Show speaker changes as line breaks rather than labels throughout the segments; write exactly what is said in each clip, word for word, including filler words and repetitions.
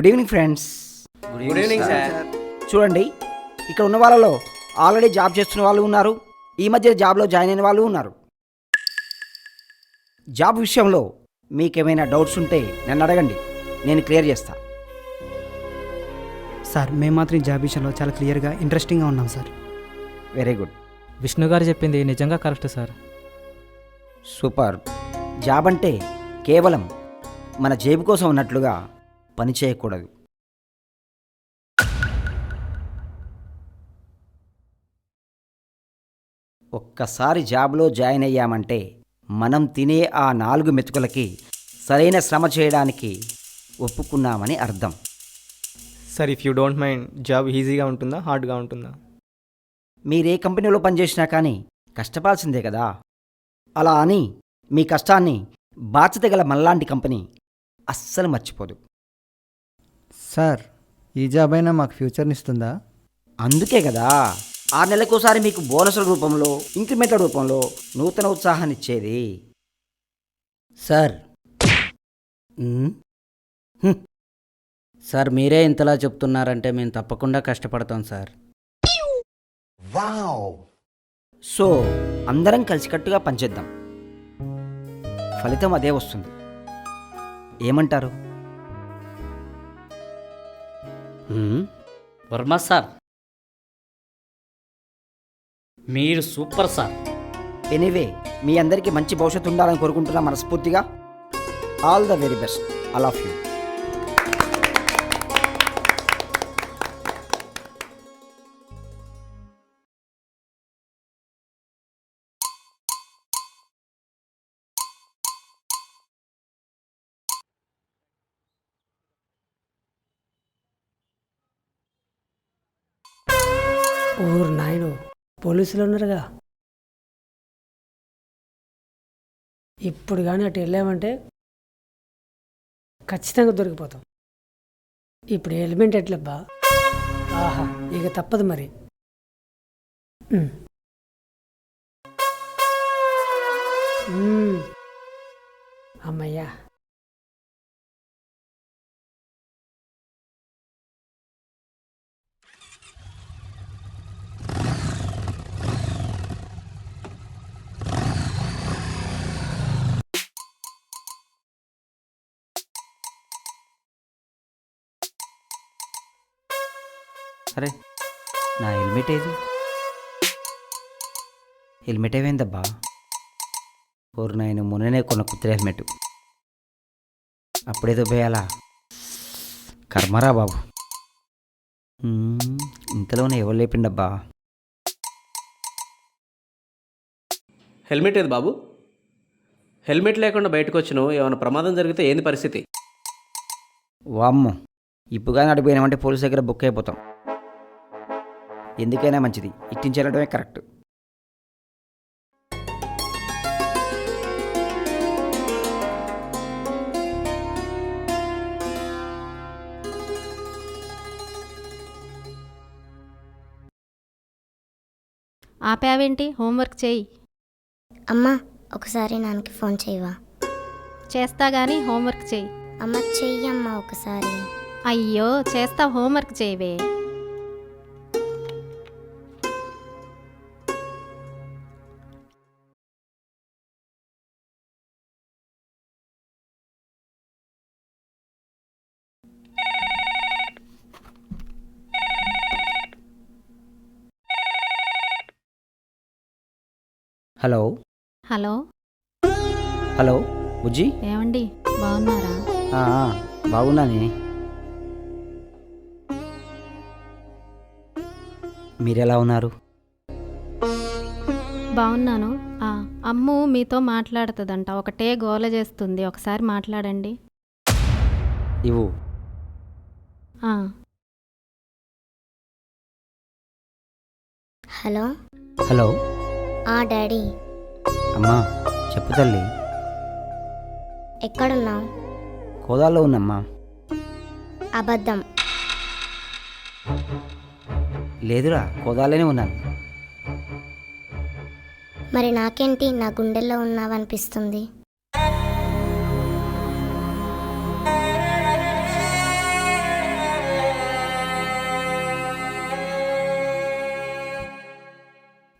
Good evening friends.
Good evening sir.
చూడండి, ఇక్కడ ఉన్న వాళ్ళలో ఆల్రెడీ జాబ్ చేస్తున్న వాళ్ళు ఉన్నారు, ఈ మధ్య జాబ్లో జాయిన్ అయిన వాళ్ళు ఉన్నారు. జాబ్ విషయంలో మీకేమైనా డౌట్స్ ఉంటే నన్ను అడగండి, నేను క్లియర్ చేస్తా.
సార్ మేము మాత్రం ఈ జాబ్ విషయంలో చాలా క్లియర్గా ఇంట్రెస్టింగ్గా ఉన్నాం సార్.
వెరీ గుడ్,
విష్ణు గారు చెప్పింది నిజంగా కరెక్ట్ సార్.
సూపర్. జాబ్ అంటే కేవలం మన జేబు కోసం ఉన్నట్లుగా పని చేయకూడదు. ఒక్కసారి జాబ్లో జాయిన్ అయ్యామంటే మనం తినే ఆ నాలుగు మెతుకులకి సరైన శ్రమ చేయడానికి ఒప్పుకున్నామని అర్థం.
Sir, if you don't mind, job ఈజీగా ఉంటుందా, హార్డ్గా ఉంటుందా?
మీరే కంపెనీలో పనిచేసినా కానీ కష్టపడాల్సిందే కదా. అలా అని మీ కష్టాన్ని బాధ్యత గల మనలాంటి కంపెనీ అస్సలు మర్చిపోదు.
సార్, ఈ జాబ్ అయినా మాకు ఫ్యూచర్ని ఇస్తుందా?
అందుకే కదా ఆరు నెలలకోసారి మీకు బోనసుల రూపంలో, ఇంక్రిమెంట్ల రూపంలో నూతన ఉత్సాహాన్ని ఇచ్చేది.
సార్ మ్మ్. హ్మ్. సార్ మీరే ఇంతలా చెప్తున్నారంటే మేము తప్పకుండా కష్టపడతాం సార్.
సో అందరం కలిసికట్టుగా పనిచేద్దాం, ఫలితం అదే వస్తుంది. ఏమంటారు?
మ్మ్. వర్మ సార్, మీరు సూపర్ సార్.
ఎనీవే, మీ అందరికీ మంచి భవిష్యత్తు ఉండాలని కోరుకుంటున్నా మనస్ఫూర్తిగా. All the very best. I love you.
ఊరు నాయను, పోలీసులు ఉన్నారుగా. ఇప్పుడు కానీ అటు వెళ్ళామంటే ఖచ్చితంగా దొరికిపోతాం. ఇప్పుడు హెల్మెట్ ఎట్లబ్బా? ఆహా, ఇక తప్పదు మరి. ఉమ్. ఉమ్. అమ్మయ్యా.
అరే, నా హెల్మెట్ ఏది? హెల్మెట్ ఏమైందబ్బా? ఓరు నాయన, మొన్ననే కొన్న కుత్త హెల్మెట్, అప్పుడేదో పోయాలా? కర్మరా బాబు. మ్మ్, ఇంతలోనే ఎవరు లేపిండబ్బా?
హెల్మెట్ ఏది బాబు? హెల్మెట్ లేకుండా బయటకు వచ్చినావు, ఏమైనా ప్రమాదం జరిగితే ఏంది పరిస్థితి?
వామ్మో, ఇప్పుగా నడిపోయినామంటే పోలీస్ దగ్గర బుక్ అయిపోతాం. ఎందుకైనా మంచిది ఇట్టించి వెళ్ళడమే కరెక్ట్.
ఆపావేంటి? హోంవర్క్ చేయి.
అమ్మా, ఒకసారి నాన్నకి ఫోన్ చేయవా?
చేస్తా గానీ హోంవర్క్ చేయి.
అమ్మ, చెయ్యమ్మా ఒకసారి.
అయ్యో, చేస్తా, హోంవర్క్ చేయవే.
హలో
హలో
హలో బుజ్జి,
ఏమండి, బాగున్నారా?
ఆ, ఆ, బాగున్నానే. మీరెలా ఉన్నారు?
బాగున్నాను. ఆ, అమ్ము మీతో మాట్లాడుతుందంట, ఒకటే గోల చేస్తుంది, ఒకసారి మాట్లాడండి.
ఇవ్వు.
ఆ,
హలో.
హలో.
ఆ డాడీ.
అమ్మా, చెప్పు తల్లి.
ఎక్కడున్నావు?
కోదాల్లో ఉన్నమ్మా.
అబద్ధం.
లేదురా, కోదాలోనే ఉన్నాను.
మరి నాకేంటి నా గుండెల్లో ఉన్నావనిపిస్తుంది?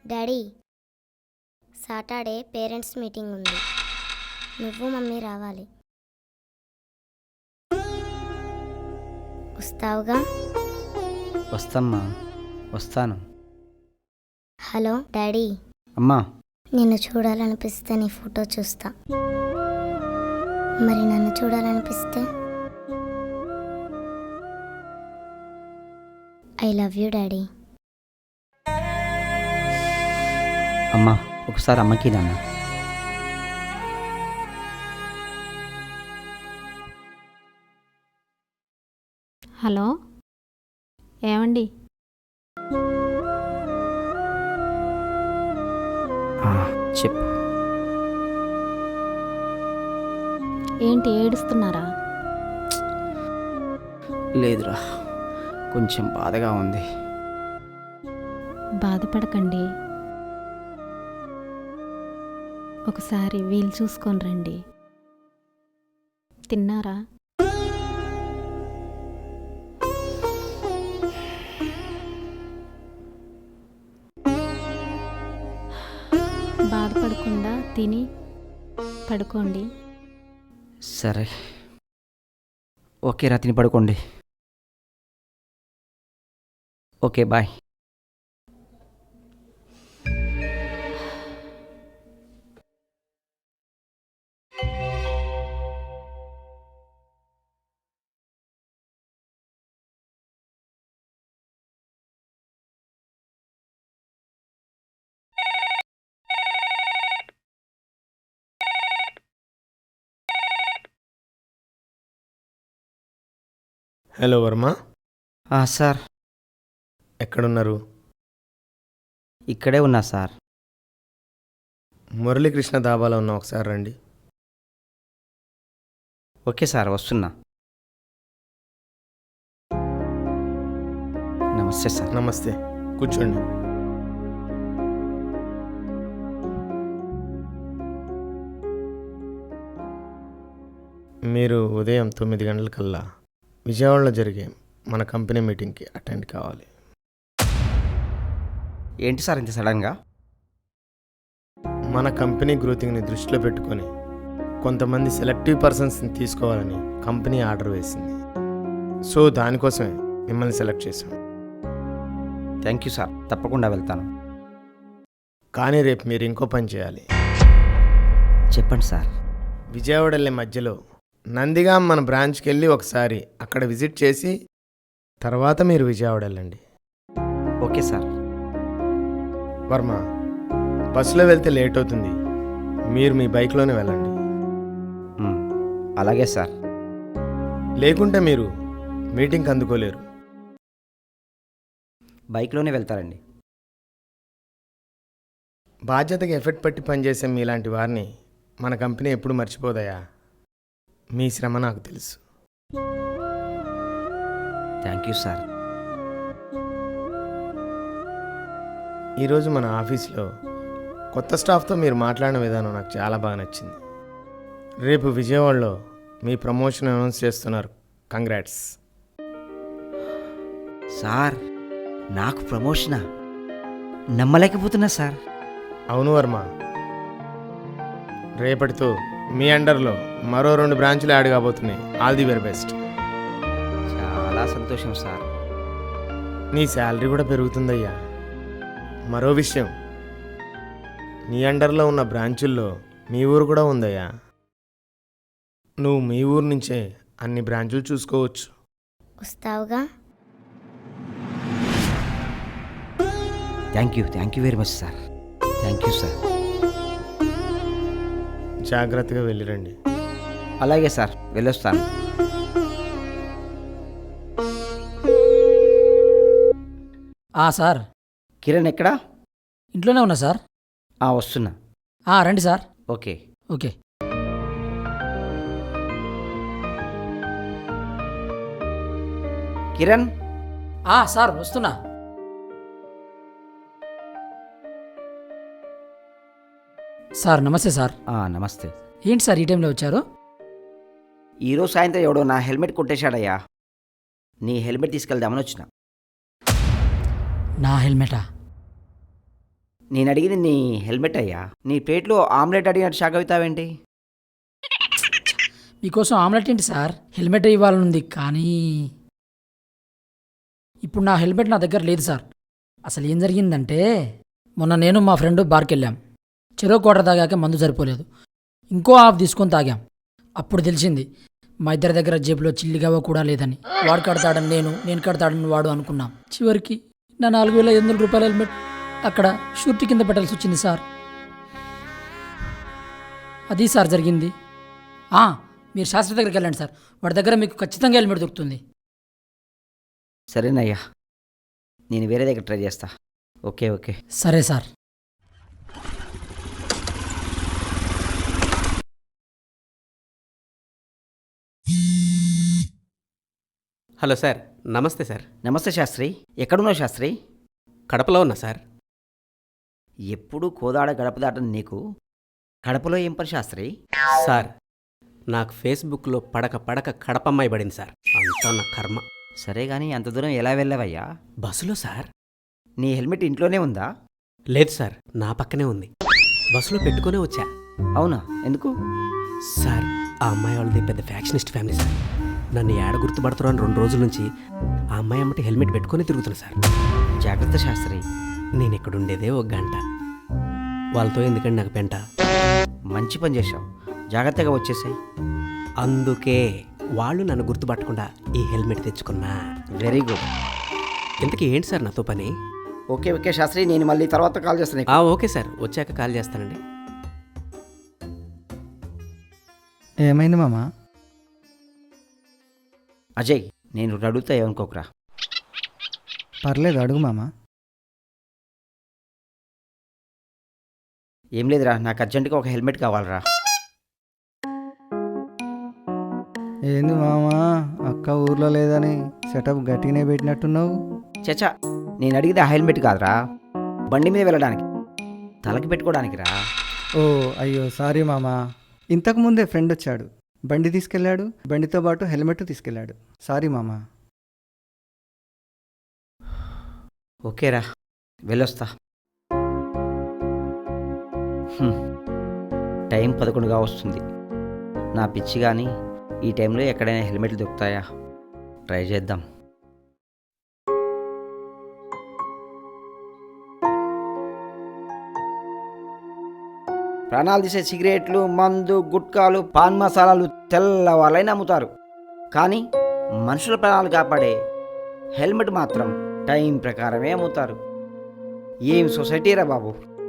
డాడీ సాటర్డే పేరెంట్స్ మీటింగ్ ఉంది. నువ్వు మమ్మీ రావాలి. వస్తావుగా?
వస్తమ్మా, వస్తాను.
హలో డాడీ,
అమ్మా,
నిన్ను చూడాలనిపిస్తే నీ ఫోటో చూస్తా. మరి నన్ను చూడాలనిపిస్తే ఐ లవ్ యూ డాడీ.
అమ్మా, ఒకసారి అమ్మకి నాన్న.
హలో ఏమండి?
ఆ, చెప్పు.
ఏంటి ఏడుస్తున్నారా?
లేదురా, కొంచెం బాధగా ఉంది.
బాధపడకండి, ఒకసారి వీలు చూసుకొని రండి. తిన్నారా? బాధపడకుండా తిని పడుకోండి.
సరే, ఓకే రా, తిని పడుకోండి. Okay, bye.
హలో వర్మ,
ఆ, సార్
ఎక్కడున్నారు?
ఇక్కడే ఉన్నా సార్.
మురళీకృష్ణ దాబాలో ఉన్న ఒకసారి రండి.
ఓకే సార్, వస్తున్నా. నమస్తే సార్.
నమస్తే, కూర్చోండి. మీరు ఉదయం తొమ్మిది గంటలకల్లా విజయవాడలో జరిగే మన కంపెనీ మీటింగ్కి అటెండ్ కావాలి.
ఏంటి సార్ ఇంత సడన్గా?
మన కంపెనీ గ్రోతింగ్ని దృష్టిలో పెట్టుకొని కొంతమంది సెలెక్టివ్ పర్సన్స్ని తీసుకోవాలని కంపెనీ ఆర్డర్ వేసింది. సో దానికోసమే మిమ్మల్ని సెలెక్ట్ చేశాం.
థ్యాంక్ యూ సార్, తప్పకుండా వెళ్తాను.
కానీ రేపు మీరు ఇంకో పని చేయాలి.
చెప్పండి సార్.
విజయవాడ వెళ్ళే మధ్యలో నందిగాం మన బ్రాంచ్కి వెళ్ళి ఒకసారి అక్కడ విజిట్ చేసి తర్వాత మీరు విజయవాడ వెళ్ళండి.
Okay sir.
వర్మ, బస్సులో వెళ్తే లేట్ అవుతుంది, మీరు మీ బైక్లోనే వెళ్ళండి.
మ్, అలాగే సార్.
లేకుంటే మీరు మీటింగ్కి అందుకోలేరు.
బైక్లోనే వెళ్తారండి.
బాధ్యతకి ఎఫెక్ట్ పట్టి పనిచేసే మీలాంటి వారిని మన కంపెనీ ఎప్పుడు మర్చిపోదయా. మీ శ్రమ నాకు తెలుసు.
Thank you sir.
ఈరోజు మన ఆఫీస్లో కొత్త స్టాఫ్తో మీరు మాట్లాడిన విధానం నాకు చాలా బాగా నచ్చింది. రేపు విజయవాడలో మీ ప్రమోషన్ అనౌన్స్ చేస్తున్నారు. కంగ్రాట్స్.
సార్, నాకు ప్రమోషనా? నమ్మలేకపోతున్నా సార్.
అవును వర్మ, రేపటితో మీ అండర్లో మరో రెండు బ్రాంచులు యాడ్ కాబోతున్నాయి. All the very best.
చాలా సంతోషం సార్.
నీ శాలరీ కూడా పెరుగుతుందయ్యా. మరో విషయం, నీ అండర్లో ఉన్న బ్రాంచుల్లో మీ ఊరు కూడా ఉందయ్యా. నువ్వు మీ ఊరు నుంచే అన్ని బ్రాంచులు చూసుకోవచ్చు.
వస్తావుగా?
Thank you thank you very much sir. Thank you sir.
జాగ్రత్తగా వెళ్ళిరండి.
అలాగే సార్, వెళ్ళొస్తాను.
సార్,
కిరణ్ ఎక్కడా?
ఇంట్లోనే ఉన్నా సార్.
ఆ, వస్తున్నా.
రండి sir.
Okay.
Okay.
Kiran.
Sir వస్తున్నా. సార్ నమస్తే సార్.
ఆ, నమస్తే.
ఏంటి సార్ ఈ టైంలో వచ్చారు?
ఈరోజు సాయంత్రం ఎవడో నా హెల్మెట్ కొట్టేశాడయ్యా. నీ హెల్మెట్ తీసుకెళ్దామని వచ్చిన.
నా హెల్మెటా?
నేను అడిగింది నీ హెల్మెట్ అయ్యా. నీ ప్లేట్లో ఆమ్లెట్ అడిగినట్టు షాక్ అవుతావేంటి?
మీకోసం ఆమ్లెట్ ఏంటి సార్, హెల్మెట్ ఇవ్వాలనుంది కానీ ఇప్పుడు నా హెల్మెట్ నా దగ్గర లేదు సార్. అసలు ఏం జరిగిందంటే మొన్న నేను మా ఫ్రెండ్ బార్కి వెళ్ళాం. చెరో కోట తాగాక మందు సరిపోలేదు, ఇంకో హాఫ్ తీసుకొని తాగాం. అప్పుడు తెలిసింది మా ఇద్దరి దగ్గర జేబులో చిల్లిగవ్వ కూడా లేదని. వాడు కడతాడని నేను, నేను కడతాడని వాడు అనుకున్నాం. చివరికి నా నాలుగు వేల ఐదు వందల రూపాయల హెల్మెట్ అక్కడ షూరిటీ కింద పెట్టాల్సి వచ్చింది సార్. అది సార్ జరిగింది. ఆ, మీరు శాస్త్రి దగ్గరికి వెళ్ళండి సార్, వాడి దగ్గర మీకు ఖచ్చితంగా హెల్మెట్ దొరుకుతుంది.
సరేనయ్యా, నేను వేరే దగ్గర ట్రై చేస్తా. ఓకే ఓకే
సరే సార్.
హలో సార్, నమస్తే సార్.
నమస్తే శాస్త్రి. ఎక్కడున్నావు శాస్త్రి?
కడపలో ఉన్నా సార్.
ఎప్పుడు కోదాడ గడప దాటని నీకు కడపలో ఏం పని శాస్త్రి?
సార్, నాకు ఫేస్బుక్లో పడక పడక కడపమ్మాయి పడింది సార్. అంతా నా కర్మ.
సరే కానీ అంత దూరం ఎలా వెళ్ళావయ్యా?
బస్సులో సార్.
నీ హెల్మెట్ ఇంట్లోనే ఉందా?
లేదు సార్, నా పక్కనే ఉంది. బస్సులో పెట్టుకునే వచ్చా.
అవునా, ఎందుకు?
సార్, ఆ అమ్మాయి వాళ్ళది పెద్ద ఫ్యాక్షనిస్ట్ ఫ్యామిలీ సార్. నన్ను ఏడ గుర్తుపడతారు అని రెండు రోజుల నుంచి ఆ అమ్మాయి అమ్మటి హెల్మెట్ పెట్టుకొని తిరుగుతున్నా సార్.
జాగ్రత్త శాస్త్రి.
నేను ఇక్కడ ఉండేదే ఒక గంట, వాళ్ళతో ఎందుకండి నాకు పెంట.
మంచి పని చేశావు, జాగ్రత్తగా వచ్చేసాయి.
అందుకే వాళ్ళు నన్ను గుర్తుపట్టకుండా ఈ హెల్మెట్ తెచ్చుకున్నా.
Very good.
ఇంతకీ ఏంటి సార్ నాతో పని?
ఓకే ఓకే శాస్త్రి, నేను మళ్ళీ తర్వాత కాల్ చేస్తాను.
ఆ, ఓకే సార్, వచ్చాక కాల్ చేస్తానండి.
ఏమైంది మామ?
అజయ్, నేను అడుగుతా ఏమనుకోకరా.
పర్లేదు, అడుగు మామ.
ఏం లేదురా, నాకు అర్జెంటుగా ఒక హెల్మెట్ కావాలరా.
ఏంది మామ, అక్క ఊర్లో లేదని సెటప్ గట్టిగానే పెట్టినట్టున్నావు.
చచ్చా, నేను అడిగితే ఆ హెల్మెట్ కాదురా, బండి మీద వెళ్ళడానికి, తలకి పెట్టుకోవడానికి రా.
ఓ అయ్యో సారీ మామ. ఇంతకు ముందే ఫ్రెండ్ వచ్చాడు, బండి తీసుకెళ్ళాడు, బండితో పాటు హెల్మెట్ తీసుకెళ్ళాడు. సారీ మామ.
ఓకేరా, వెళ్ళొస్తా. హ్మ్. టైం పదకొండుగా వస్తుంది. నా పిచ్చి కానీ ఈ టైంలో ఎక్కడైనా హెల్మెట్లు దొరుకుతాయా? ట్రై చేద్దాం. ప్రాణాలు తీసే సిగరెట్లు, మందు, గుట్కాలు, పాన్ మసాలాలు తెల్లవాళ్ళైనా అమ్ముతారు. కానీ మనుషుల ప్రాణాలు కాపాడే హెల్మెట్ మాత్రం టైం ప్రకారమే అమ్ముతారు. ఏం సొసైటీరా బాబు.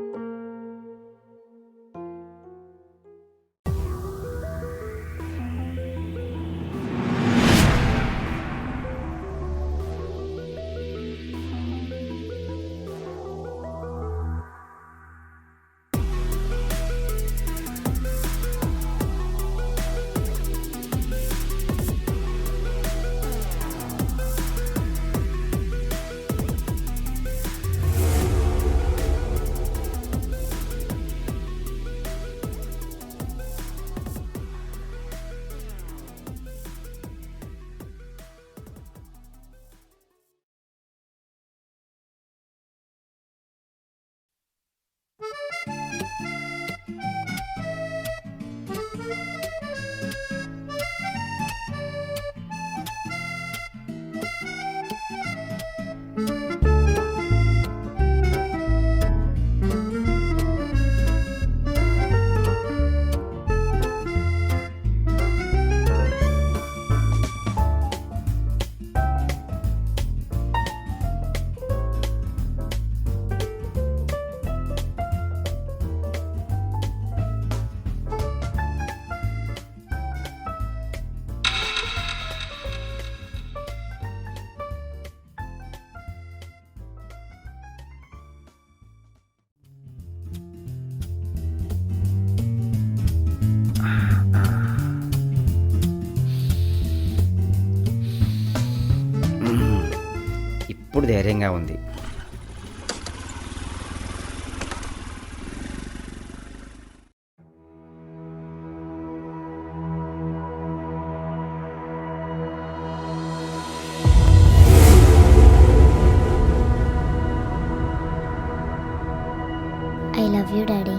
ఇప్పుడు ధైర్యంగా ఉంది.
I love you daddy.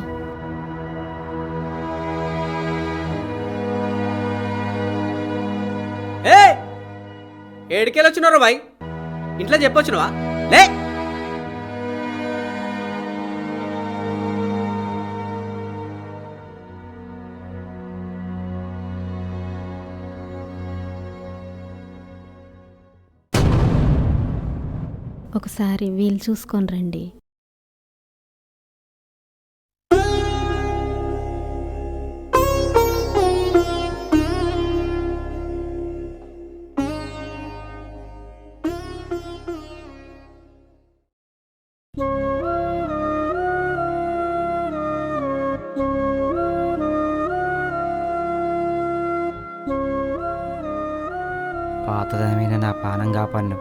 ఏ ఏడికెళ్ళి వచ్చినారు బాయ్? ఇంట్లో చెప్పొచ్చినవా? లే
ఒకసారి వీలు చూసుకొని రండి.
పాతదమైన నా పానం కాపాడిను.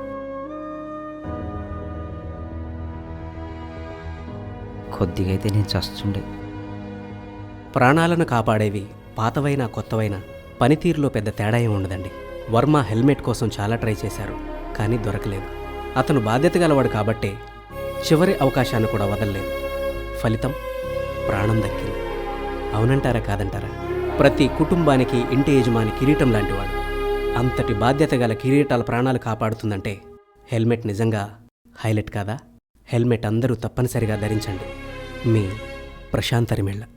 కొద్దిగా అయితే నేను చస్తుండే.
ప్రాణాలను కాపాడేవి పాతవైనా కొత్తవైనా పనితీరులో పెద్ద తేడా ఏమి ఉండదండి. వర్మ హెల్మెట్ కోసం చాలా ట్రై చేశారు, కానీ దొరకలేదు. అతను బాధ్యత గలవాడు కాబట్టే చివరి అవకాశాన్ని కూడా వదలలేదు. ఫలితం ప్రాణం దక్కింది. అవునంటారా కాదంటారా? ప్రతి కుటుంబానికి ఇంటి యజమాని కిరీటం లాంటివాడు. అంతటి బాధ్యత గల కిరీటాల ప్రాణాలు కాపాడుతుందంటే హెల్మెట్ నిజంగా హైలైట్ కాదా? హెల్మెట్ అందరూ తప్పనిసరిగా ధరించండి. మీ ప్రశాంత్ తరిమెళ్ళ.